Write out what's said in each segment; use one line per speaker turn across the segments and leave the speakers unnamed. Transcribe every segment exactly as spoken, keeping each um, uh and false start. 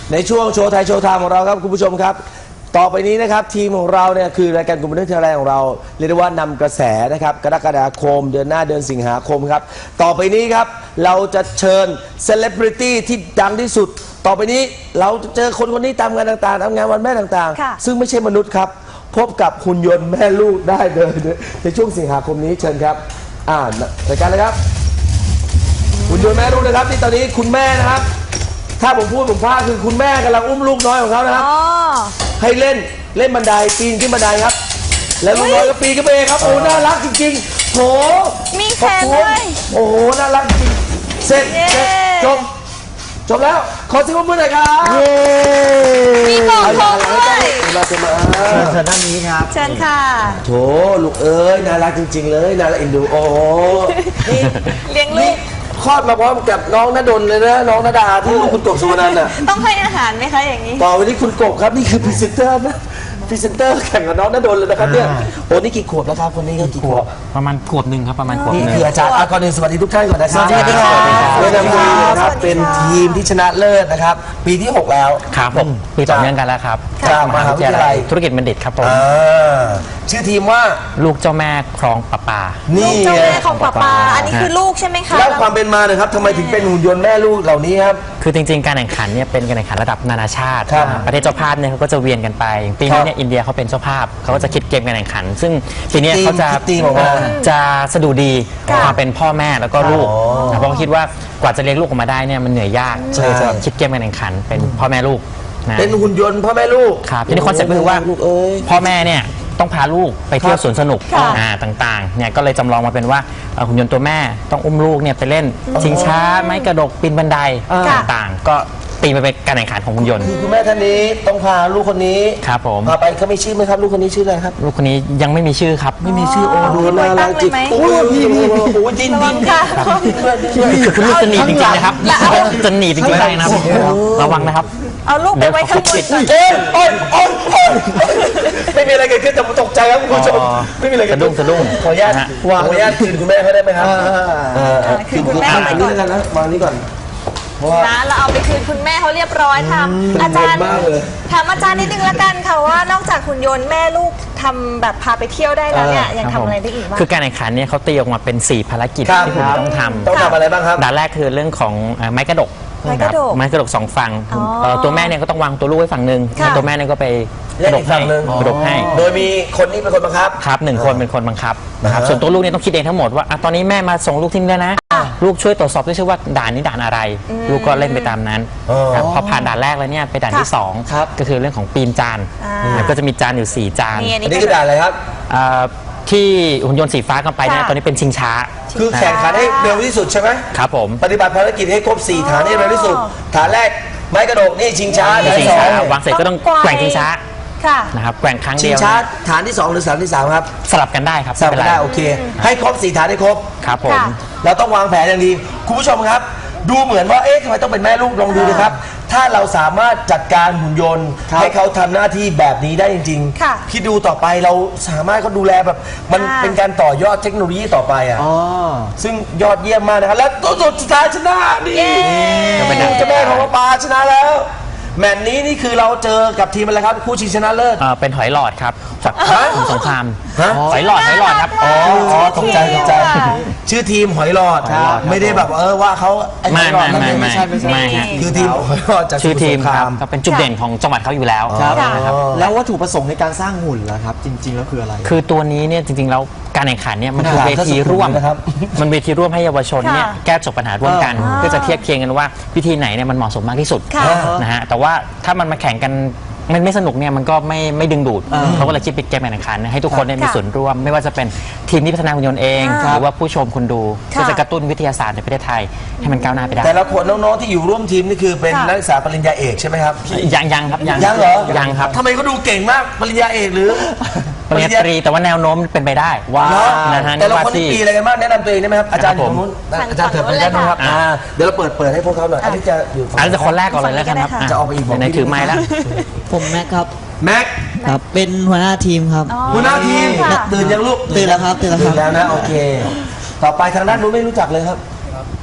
ในช่วงโชว์ไทยโชว์ไทม์ของเราครับคุณผู้ชมครับต่อไปนี้นะครับทีมของเราเนี่ยคือรายการกลุ่มบันเทิงไทยแลนด์ของเราเรียกได้ว่านำกระแสนะครับกรกฎาคมเดือนหน้าเดือนสิงหาคมครับต่อไปนี้ครับเราจะเชิญเซเลบริตี้ที่ดังที่สุดต่อไปนี้เราจะเจอคนคนนี้ตามงานต่างๆตามงานวันแม่ต่างๆซึ่งไม่ใช่มนุษย์ครับพบกับหุ่นยนต์แม่ลูกได้เลยในช่วงสิงหาคมนี้เชิญครับอ่ารายการเลยครับหุ่นยนต์แม่ลูกนะครับที่ตอนนี้คุณแม่นะครับถ้าผมพูดผมพลาดคือคุณแม่กำลังอุ้มลูกน้อยของเขานะครับให้เล่นเล่นบันไดปีนขึ้นบันไดครับแล้วลูกน้อยก็ปีนขึ้นไปเองครับโอ้น่ารักจริงๆโถ
มีแขนด้วย
โอ้โหน่ารักจริงเสร็จเสร็จจบจบแล้วขอเสียงปรบมือหน่อยครับ
มีหมอนทองด้วย
มาจะมา
เชิญด้านนี้ครับ
เชิญค่ะ
โถลูกเอ้ยน่ารักจริงๆเลยน่ารักเอ็นดูโอ้
เลี้ยงลูก
คลอดมาพร้อมกับน้องณดลเลยนะน้องณดาที่ลูกคุณกบสุวรรณน่ะ
ต้องให้อาหารไหมคะอย่างนี้
ต่อไปนี้คุณกบครับนี่คือพรีเซนเตอร์นะพรีเซนเตอร์แข่งกับน้องณดลเลยนะครับเนี่ยโอ้นี่กี่ขวบแล้วครับคนนี้ก็กี่ขวบ
ประมาณขวบหนึ่งครับประมาณขวบ
นี่คืออาจารย์ก่อนอื่นสวัสดีทุกท่านก่อนนะครับ
สวัสดีครับ
เริ่มดีนะครับเป็นทีมที่ชนะเลิศนะครับปีที่หกแล้ว
ครับผมปีต่อเนื่องกันแล้วครับ
จากมหาวิทยาลัย
ธุรกิจบัณฑิตครับผม
ชื่อทีมว่า
ลูกเจ้าแม่คลองประปา
ลูกเจ้าแม่ของประปาอันนี้คือลูกใช่ไหมคะ
แล้วความเป็นมาเลยครับทำไมถึงเป็นหุ่นยนต์แม่ลูกเหล่านี้ครับ
คือจริงๆการแข่งขันเนี่ยเป็นการแข่งขันระดับนานาชาติประเทศเจ้าภาพเนี่ยเขาก็จะเวียนกันไปปีนี้เนี่ยอินเดียเขาเป็นเจ้าภาพเขาก็จะคิดเกมการแข่งขันซึ่งปีนี้เขาจะจะสะดุดีความเป็นพ่อแม่แล้วก็ลูกเพราะคิดว่ากว่าจะเลี้ยงลูกออกมาได้เนี่ยมันเหนื่อยยากเลยจะคิดเกมการแข่งขันเป็นพ่อแม่ลูก
เป็นหุ่นยนต์พ่อแม่ลูก
ครับทีนี้คอนเซ็ปต์คือว่าพ่อแม่เนี่ยต้องพาลูกไปเที่ยวสวนสนุกต่างๆเนี่ยก็เลยจำลองมาเป็นว่าหุ่นยนต์ตัวแม่ต้องอุ้มลูกเนี่ยไปเล่นชิงช้าไม้กระดกปีนบันไดต่างๆก็ตีมาเป็นการแข่งขันของหุ่นยนต์
คุณแม่ท่านนี้ต้องพาลูกคนนี้
ครับผม
พาไปเขาไม่ชื่อไหมครับลูกคนนี้ชื่ออะไรครับ
ลูกคนนี้ยังไม่มีชื่อครับ
ไม่มีชื่อโอ้ดูน่ารักจริงโอ้ยพี่พี่โอ้ยดินดิน
ค่ะ
คือลูกจะหนีจริงๆนะครับจะหนีจริงๆได้นะครับระวังนะครับ
เอาลูกไปไว้ข้างบน
เอ้ยโอ้ยโอ้ยโอ้ยไม่มีอะไรเกิดขึ้นแต่ผมตกใจครับคุณผู้ชมไม่มีอะไรเกิดขึ้น
สะดุ้ง
ขออนุญาตวางขออนุญาตคืนคุณแม่เขาได้ไหมครับ
คืนคุณแม่ไปก่อน
นะวางนี้ก่อน
นะเราเอาไปคืนคุณแม่เขาเรียบร้อยทำอาจารย์ถามอาจารย์นิดนึงละกันค่ะว่านอกจากหุ่นยนต์แม่ลูกทำแบบพาไปเที่ยวได้แล้วเนี่ยยังทำอะไรได้อีกบ้าง
คือการแข่งขันเนี่ยเขาตีออกมาเป็นสี่ภารกิจที่คุณต้องทำ
ต้องทำอะไรบ้างครับ
ด่านแรกคือเรื่องของไม้กระดก
ไม้กระดก
ไม้กระดกสองฝั่งตัวแม่เนี่ยก็ต้องวางตัวลูกไว้ฝั่งหนึ่งตัวแม่เนี่ยก็ไปกระดกให้กระดกให้
โดยมีคนนี้เป็นคนบังคับ
ครับหนึ่งคนเป็นคนบังคับนะครับส่วนตัวลูกเนี่ยต้องคิดเองทั้งหมดว่าตอนนี้แม่มาส่งลูกที่นี่นะลูกช่วยตรวจสอบด้วยชื่อว่าด่านนี้ด่านอะไรลูกก็เล่นไปตามนั้นพอผ่านด่านแรกแล้วเนี่ยไปด่านที่สองก็คือเรื่องของปีนจานก็จะมีจานอยู่สี่จาน
อันนี้คือด่านอะไรครับ
ที่หุ่นยนต์สีฟ้ากันไปเนี่ยตอนนี้เป็นชิงช้า
คือแข่งขันให้เร็วที่สุดใช่ไหม
ครับผม
ปฏิบัติภารกิจให้ครบสี่ฐานให้เร็วที่สุดฐานแรกไม้กระดกนี่ชิงช้าฐานที่สอง
วางเสร็จก็ต้องแกว่งชิงช้านะครับแกว่งครั้งเดียว
ชิงช้าฐานที่สองหรือฐานที่สามครับ
สลับกันได้ครับ
สลับกันได้โอเคให้ครบสี่ฐานให้ครบ
ครับผม
เราต้องวางแผนอย่างดีคุณผู้ชมครับดูเหมือนว่าเอ๊ะทำไมต้องเป็นแม่ลูกลองดูนะครับถ้าเราสามารถจัดการหุ่นยนต์ให้เขาทำหน้าที่แบบนี้ได้จริงๆคิดดูต่อไปเราสามารถเขาดูแลแบบมันเป็นการต่อยอดเทคโนโลยีต่อไปอ่ะซึ่งยอดเยี่ยมมากนะครับและตัวสุดท้ายชนะนี่เป็นเจ้าแม่ของปลาชนะแล้วแมตช์นี้นี่คือเราเจอกับทีมอะไรครับคู่ชิงชนะเลิศ
เป็นหอยหลอดครับจากสงครามหอยหลอดหอยหลอดครับ
อ๋อตกใจตกใจชื่อทีมหอยหลอดไม่ได้แบบเออว่าเขา
ไม่ไม่ไม่ไม่ใช่ไม่ใช่
คือทีมหอยหลอดจาก
ชื่อทีมครับก็เป็นจุดเด่นของจังหวัดเขาอยู่แล้ว
นะครับแล้ววัตถุประสงค์ในการสร้างหุ่นล่ะครับจริงๆแล้วคืออะไร
คือตัวนี้เนี่ยจริงๆแล้วการแข่งขันเนี่ยมันคือเวทีร่วมมันเวทีร่วมให้เยาวชนเนี่ยแก้จบปัญหาร่วมกันเพื่อจะเทียบเคียงกันว่าวิธีไหนเนี่ยมันเหมาะสมมากที่สุดนะฮะแต่ว่าถ้ามันมาแข่งกันมันไม่สนุกเนี่ยมันก็ไม่ไม่ดึงดูดเขาก็เลยคิดเป็นเกมแข่งขันให้ทุกคนได้มีส่วนร่วมไม่ว่าจะเป็นทีมที่พัฒนาหุ่นยนต์เองหรือว่าผู้ชมคนดูเพื่อจะกระตุ้นวิทยาศาสตร์ในประเทศไทยให้มันก้าวหน้าไปได้
แต่ละคนน้องๆที่อยู่ร่วมทีมนี่คือเป็นนักศึกษาปริญญาเอกใช่ไหมครับ
ยังยังครับ
ยังยังเหรอ
ยังครับ
ทำไมเขาดูเก่งมากปริญญาเอกหรือ
ปริญญาตรีแต่ว่าแนวโน้มเป็นไปได้
ว้าวแต่เราคนนี้ปีอะไรกันบ้างแนะนำตัวเองได้ไหมครับอาจารย์ผมอาจารย์เถิดไปด้านนู้นครับเดี๋ยวเราเปิดเปิดให้พวกเขาหน่อยอันนี้จะอยู่
อันนี้จะคนแรกก่อนเลยแล้วกันครับ
จะออกไปอีก
ในถือไม้แล้ว
ผมแม็กครับ
แม็ก
ครับเป็นหัวหน้าทีมครับ
หัวหน้าทีมตื่นยังลูก
ตื่นแล้วครับตื่นแล้ว
แล้วนะโอเคต่อไปทางด้านนู้นไม่รู้จักเลยครับ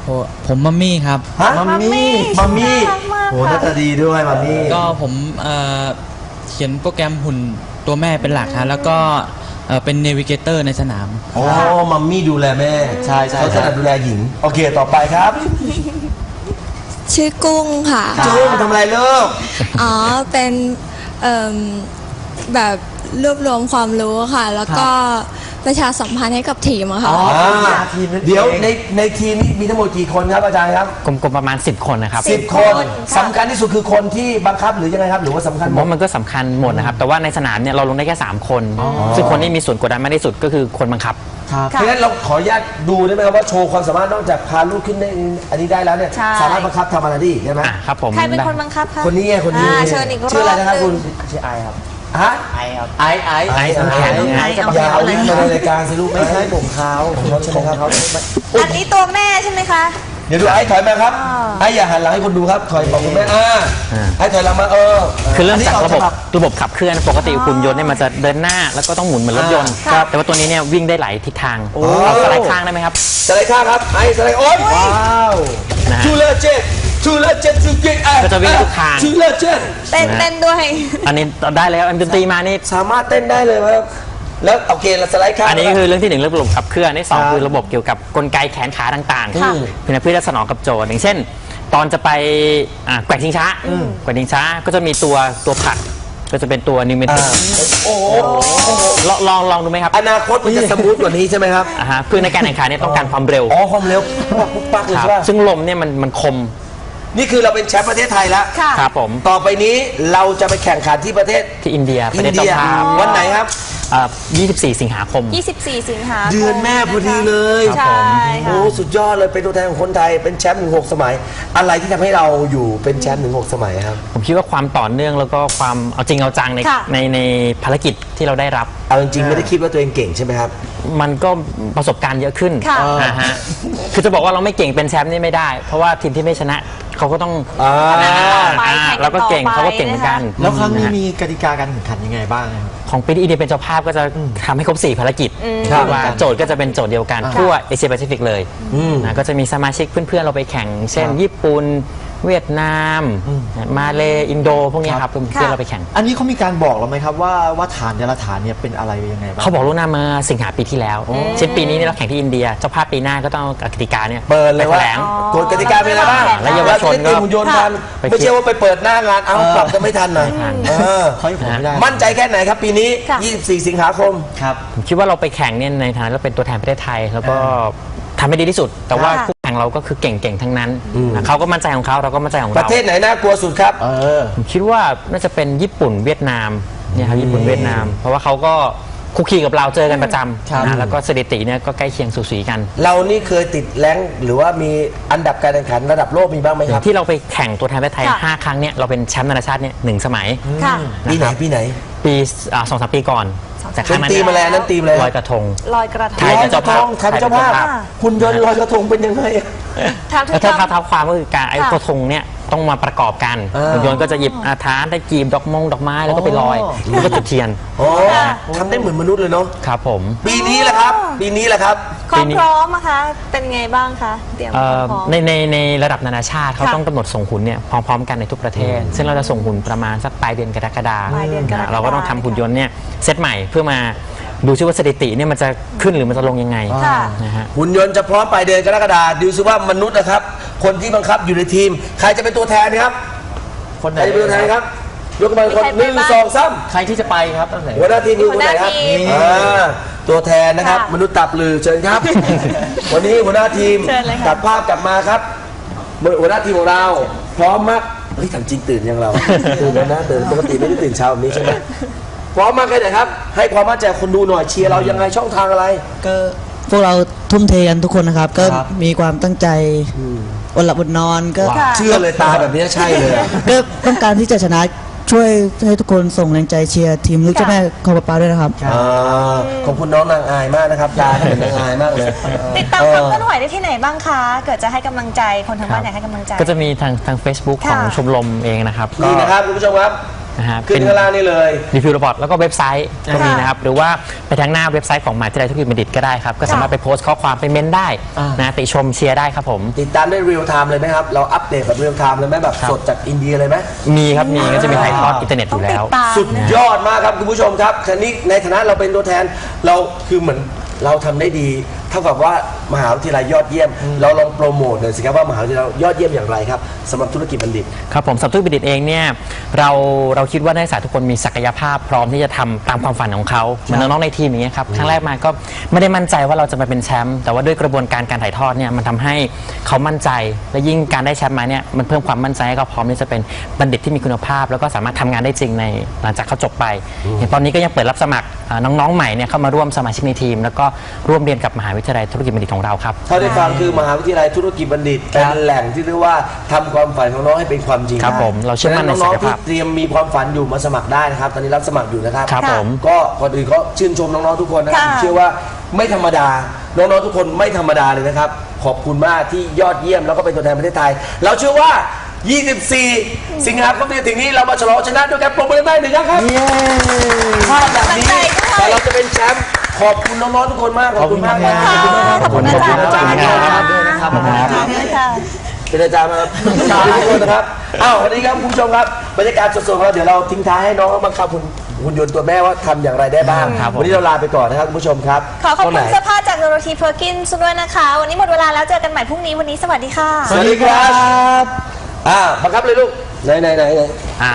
โอ้ผมมัมมี่ครับ
ฮะ
มัมมี่
มัมมี่
น่ารักมาก
โอ้หน้าตาดีด้วยมัมมี่
ก็ผมเอ่อเขียนโปรแกรมหุ่นตัวแม่เป็นหลักครับแล้วก็เอ่อเป็นเนวิเกเตอร์ในสนาม
โอ้มัมมี่ดูแลแม่
ใช่ใช่
เขาถนัดดูแลหญิง โอเคต่อไปครับ
ชื่อกุ้งค่ะ
จุ้งทำอะไรลูก
อ๋อ เป็นเอิ่มแบบรวบรวมความรู้ค่ะ แล้วก็ประชาสัมพันธ์ให้กับทีมอะค่ะ
อ๋อ
อ่า
ทีมนั่นเอง
เดี๋ยวในในทีมนี้มีทั้งหมดกี่คนครับอาจารย์ครับ
กลมๆประมาณ สิบ คนนะครับ
สิบคน
ค่ะ
สำคัญที่สุดคือคนที่บังคับหรือยังไงครับหรือว่าสำคัญ
ผม
หมด
ว่ามันก็สำคัญหมดนะครับ แต่ว่าในสนามเนี่ยเราลงได้แค่ สาม คน ซึ่งคนที่มีส่วนกดดันมากที่สุดก็คือคนบังคับ
ครับ
เพราะฉะนั้นเราขออนุญาตดูได้ไหมครับว่าโชว์ความสามารถนอกจากพาลูกขึ้นได้อันนี้ได้แล้วเนี่ย
ใช่
สามารถบังคับทำอะไรได้อีกใช่ไหม
อ่ะครับผม
ใครเป็นคนบังคับคะ
คนนี้ไงคนนี้
อ่าเชิญอีกรอบ
ชื่ออะไรนะครับ
หนึ่ง
คุณ
ชื่อไอครับ
ฮะ
ไอครับไอไอ
ไอซ์น้ำแข็ง
ไอซ์
อย่าเอาวิ่งมาในรายการสิลูก
ไม่ใช่ผมเขา
ของเขาใช่ไหมครับ
อันนี้ตัวแม่ใช่ไหมคะ
เดี๋ยวดูไอ้ถอยมาครับ
อ่า
ไอ้อย่าหันหลังให้คนดูครับถอยบอกคุณแม่อ่า
อ่า
ไอ้ถอยหลังมาเออ
คือเริ่มจากระบบ
อันนี้ออกฉ
ระบบขับเคลื่อนปกติหุ่นยนต์เนี่ยมันจะเดินหน้าแล้วก็ต้องหมุนเหมือนรถยนต์
ครับ
แต่ว่าตัวนี้เนี่ยวิ่งได้หลายทิศทาง
โอ้
เอาสไลด์ข้างได้ไหมครับ
สไลด์ข้างครับไอ้สไลด์โอ๊ยว้าว
นะฮะ
ชูเลอร์เจ็ดชูเลอร์เจ็ดชูเก่งอ่ะ
ก็จะวิ่งทุกทาง
ชูเลอร์เจ็ด
เต้นเต้นด้วย
อันนี้ได้แล้วอันดนตรีมานี่
สามารถเต้นได้เลยครับแล้วโอเคเราสไลด์ข้าง
อันนี้คือเรื่องที่หนึ่งเรื่องระบบขับเคลื่อนที่สอง
ครับ
คือระบบเกี่ยวกับกลไกแขนขาต่าง
ค่ะ
ๆเพื่อเพื่อจะสนองกับโจทย์อย่างเช่น ตอนจะไปอ่ะแกว่งชิงช้าแกว่งชิงช้าก็จะมีตัวตัวผลักก็จะเป็นตัวนิวเมติ
อ่าก โอ้โห
ลองลองลองดูไหมครับ
อนาคตมันจะสมูทกว่านี้ใช่ไหมครับ
อ่าฮะคือในการแข่งขันเนี่ยต้องการความเร็ว
อ๋อความเร็วปุ๊บปุ๊บปักเลย
ครับ
ใช่ป่ะ
ซึ่งลมเนี่ยมันมันคม
นี่คือเราเป็นแชมป์ประเทศไทยแล้ว
ค่ะ
ครับผม
ต่อไปนี้เราจะไปแข่งขันที่ประเทศ
ที่อินเดียประเทศ
อินเดี
เจ้าย ภาพ
วันไหนครับ
อ่ายี่สิบสี่ สิงหาคม
ยี่สิบสี่ สิงหาคม
เดือนแม่พอดีเลย
ใช่ค่ะ
โอ้สุดยอดเลยเป็นตัวแทนของคนไทยเป็นแชมป์ถึงหกสมัย อะไรที่ทำให้เราอยู่เป็นแชมป์ถึงหกสมัยครับ
ผมคิดว่าความต่อเนื่องแล้วก็ความเอาจริงเอาจังใน
ค่ะ
ในในภารกิจที่เราได้รับ
เอาจริงๆไม่ได้คิดว่าตัวเองเก่งใช่ไหมครับ
มันก็ประสบการณ์เยอะขึ้น
ค่ะ
นะฮะคือจะบอกว่าเราไม่เก่งเป็นแชมป์นี่ไม่ได้ เพราะว่าทีมที่ไม่ชนะเขาก็ต้อง
อ่า
ชนะ
ไป
อ่า
แข่งกัน
เราก็เก่ง
ต่อไป
เขาก็เก่งเหมือนกัน
แล้วครั้งนี้
ะฮะ
มีกติกาการแข่งขันยังไงบ้างครับ
ของปีที่อินเดียเป็นเจ้าภาพก็จะทำให้ครบสี่ภารกิจ
ครับ
ว่าโจทย์ก็จะเป็นโจทย์เดียวกันทั่วเอเชียแปซิฟิกเลย
อืม
นะก็จะมีสมาชิกเพื่อนๆเราไปแข่ง เช่น
ครับ
ญี่ปุ่นเวียดนามมาเลอินโดพวกเนี้ยครับเพื่อนๆเราไปแข่ง
อันนี้เขามีการบอกเราไหมครับว่าว่าฐานแต่ละฐานเนี่ยเป็นอะไรยังไงบ้าง
เขาบอกล่วงหน้ามาสิงหาปีที่แล้ว เช่นปีนี้เนี่ยเราแข่งที่อินเดีย เจ้าภาพปีหน้าก็ต้องเอากติกาเนี่ย
เปิดเลย
ไป
ว่า
แถลง
กฎกติกาเป็นอะไรบ้าง
และเยาวชนก็
เราจะได้เตรียมหุ่นยนต์ทัน
ไป
ไม่ใช่ว่าไปเปิดหน้างานเอาปรับจะไม่ทันหน่อย
ไม่ทัน
เออ
เขาให้ผมไม่ได้
มั่นใจแค่ไหนครับปีนี้
ค่ะ
ยี่สิบสี่ สิงหาคม
ครับ
ผมคิดว่าเราไปแข่งเนี่ยในฐานะเราเป็นตัวแทนประเทศไทย แล้วก็ทำให้ดีที่สุด แต่ว่า
ค่ะ
คู่แข่งเราก็คือเก่งๆทั้งนั้นนะเขาก็มั่นใจของเขาเราก็มั่นใจของ
ป
เรา
ระเทศไหนน่ากลัวสุดครับ
เออ
ผมคิดว่าน่าจะเป็นญี่ปุ่นเวียดนามเนี่ยครับญี่ปุ่นเวียดนาม เพราะว่าเขาก็คุกคีกับเราเจอกันประจ
ครับ
ำนะแล้วก็สถิติเนี่ยก็ใกล้เคียงสูสีกัน
เรานี่เคยติดแรงค์หรือว่ามีอันดับการแข่งขันระดับโลกมีบ้างไหม
อ
ค
ย่า
รับ
งที่เราไปแข่งตัวแทนประเทศไทย
ค่ะ
ห้าครั้งเนี่ยเราเป็นแชมป์นานาชาติเนี่ยหนึ่งสมัย
ค่ะ
ปีไหนปีไหน
ปีอ่าสองสามปีก่อนแต่ค
เป็
รั้
น
งนั้น
ตีมอะไรอันนั้นตีมอะไร
ลอยกระทง
ลอยกระท
ไท
ง
ย
ล
เป็
อย
น
กระทง
เจ้าภาพ
ทำเจ้าภาพ
ไทยเป็นเจ้าภาพ
คุณยนต์ลอยกระทงเป็นยังไงอะ
ทำทุ
แล้
ก
วถ้า
ค
เท้าความก็คือการไอ้
ค่ะ
กระทงเนี่ยต้องมาประกอบกัน
อ่า
หุ่นยนต์ก็จะหยิบอาทานได้กีบดอกมงดอกไม้แล้วก็ไปลอยแล้วก็จุดเทียน
โอ้ทำได้เหมือนมนุษย์เลยเนาะ
ครับผม
ปีนี้แหละครับ ปีนี้แหละครับ
ความพร้อมอะคะเป็นไงบ้างคะเตรียมค
เอ่
วา
อ
มพร้อม
ในในในระดับนานาชาติเขา
ค่ะ
ต้องกำหนดส่งหุ่นเนี่ยพร้อมๆกันในทุกประเทศ ซึ่งเราจะส่งหุ่นประมาณสักปลายเดือนกรกฎาคม
ปลายเดือนกรกฎาคม
เราก็ต้องทำหุ่นยนต์เนี่ยเซตใหม่เพื่อมาดูซิว่าสถิติเนี่ยมันจะขึ้นหรือมันจะลงยังไง
ค่ะ
นะฮะ
หุ่นยนต์จะพร้อมปลายเดือนกรกฎาคมดูซิว่ามนุษย์นะครับ คนที่บังคับอยู่ในทีม ใครจะเป็นตัวแทนครับ
คนไห
ใคน รจะเป็นตัวแทนครับยกมือคน
มีใคร
ห
ไป
นึ่ง
บ้าง
สองสาม
ใครที่จะไปครับตั้งแต่
หัวหน้าทีมคือคนไหนครับ
หัวหน้าทีม
อ่าตัวแทนนะครับ
ค่ะ
มนุษย์ตับลือเชิญครับ วันนี้หัวหน้าทีม
เชิญเลยค่ะ
ตัดภาพกลับมาครับหัวหน้าทีมของเรา พร้อมมากเฮ้ยถามจริงตื่นยังเรา ตื่นแล้วนะตื่นปกติไม่ได้ตื่นเช้าแบบนี้ใช่ไหมพร้อมมากแค่ไหนครับ ให้ความมั่นใจคนดูหน่อยเชียร์เรายังไงช่องทางอะไร
ก็พวกเราทุ่มเทกันทุกคนนะครับ ก็
ครับ
มีความตั้งใจอดหลับอดนอนก็
ค่ะ
เชื่อเลยตาแบบนี้ใช่เลยอะ
ก็ต้องการที่จะชนะช่วยให้ทุกคนส่งแรงใจเชียร์ทีมลูกเจ้าแม่คอปปาด้วยนะครับ
อ่าขอบคุณน้องนางอายมากนะครับตาเหมือนนางอายมากเลย
ติดตามความเคลื่อนไหวได้ที่ไหนบ้างคะ เกิดจะให้กำลังใจคนทางบ้านอยากให้กำลังใจ
ก็จะมีทางทาง Facebook
ค่ะ
ของชมรมเองนะครับ
นี่นะครับคุณผู้ชมครับ
นะฮะ
ขึ้นข้างล่างนี่เลย
รีวิวรีพอร์ตแล้วก็เว็บไซต์ก็มีนะครับหรือว่าไปทางหน้าเว็บไซต์ของมหาวิทยาลัยธุรกิจบัณฑิตก็ได้ครับก็สามารถไปโพสต์ข้อความไปเม้นได้นะติชมเชียร์ได้ครับผม
ติดตามได้เรียลไทม์เลยไหมครับเราอัปเดตแบบเรียลไทม์เลยไหมแบบสดจากอินเดียเลยไหม
มีครับมีก็จะมีถ่ายทอดอินเทอร์เน็ตอยู่แล้ว
ตาม
สุดยอดมากครับคุณผู้ชมครับคันนี้ในฐานะเราเป็นตัวแทนเราคือเหมือนเราทำได้ดีเท่ากับว่ามหาวิทยาลัยยอดเยี่ยม เราลองโปรโมทหน่อยสิครับว่ามหาวิทยาลัยยอดเยี่ยมอย่างไรครับสำหรับธุรกิจบัณฑิต
ครับผมสำหรับธุรกิจบัณฑิตเองเนี่ยเราเราคิดว่านักศึกษาทุกคนมีศักยภาพพร้อมที่จะทำตามความฝันของเขาเหมือนน้องๆในทีมอย่างเงี้ยครับครั้งแรกมาก็ไม่ได้มั่นใจว่าเราจะมาเป็นแชมป์แต่ว่าด้วยกระบวนการการถ่ายทอดเนี่ยมันทำให้เขามั่นใจและยิ่งการได้แชมป์มาเนี่ยมันเพิ่มความมั่นใจให้เขาพร้อมที่จะเป็นบัณฑิตที่มีคุณภาพแล้วก็สามารถทำงานได้จริงในหลังจากเขาจบไปอย่างตอนนี้ก็ยังเปิดรับสมัครอ่าน้องๆใหม่เนี่ยเข้ามาร่วมสมาชิกในทีมแล้วก็ร่วมเรียนกับมหาวิทยาลัยธุรกิจบัณฑิตของเราครับ
เท่าที่ฟังคือมหาวิทยาลัยธุรกิจบัณฑิตเป็นแหล่งที่เรียกว่าทำความฝันของน้องให้เป็นความจริง
ครับผมเราเชื่อมั่นในศั
น้อง
กย
ๆที่
ภาพ
เตรียมมีความฝันอยู่มาสมัครได้นะครับตอนนี้รับสมัครอยู่นะครับ
ครับผม
ก็ก่อนอื่นก็ชื่นชมน้องๆทุกคนนะครับ
ค่ะ
ผมเชื่อว่าไม่ธรรมดาน้องๆทุกคนไม่ธรรมดาเลยนะครับขอบคุณมากที่ยอดเยี่ยมแล้วก็เป็นตัวแทนประเทศไทย เราเชื่อว่า ยี่สิบสี่ สิงหาคมที่จะถึงนี้เรามาฉลองชนะด้วยกันปรบมือได้หนึ่งครั้งครับภาพแบบนี้แต่เราจะเป็นแชมป์ขอบคุณน้องๆทุกคนมากขอบคุณมากครับ
ขอบคุณอาจารย์
ขอบคุณอาจารย์
ขอบคุณอาจารย์
ด้วยนะครับ
ขอบคุณค่ะ
เป็นอาจารย์มาขอบคุณทุกคนนะครับอ้าววันนี้ครับคุณผู้ชมครับบรรยากาศสดๆของเราเดี๋ยวเราทิ้งท้ายให้น้องบังคับคุณหุ่นยนต์ตัวแม่ว่าทำอย่างไรได้บ้าง
ครับผม
วันนี้เราลาไปก่อนนะครับคุณผู้ชมครับ
ขอขอบ
วัน
คุ
ไหน
ณเสื้อผ้าจากโดโรธีเพอร์กินส์ด้วยนะคะ วันนี้หมดเวลาแล้วเจอกันใหม่พรุ่งนี้วันนี้สวัสดีค่ะ
สวัสดีครับอ่าบังคับเลยลูกไหนไหนไหนไหน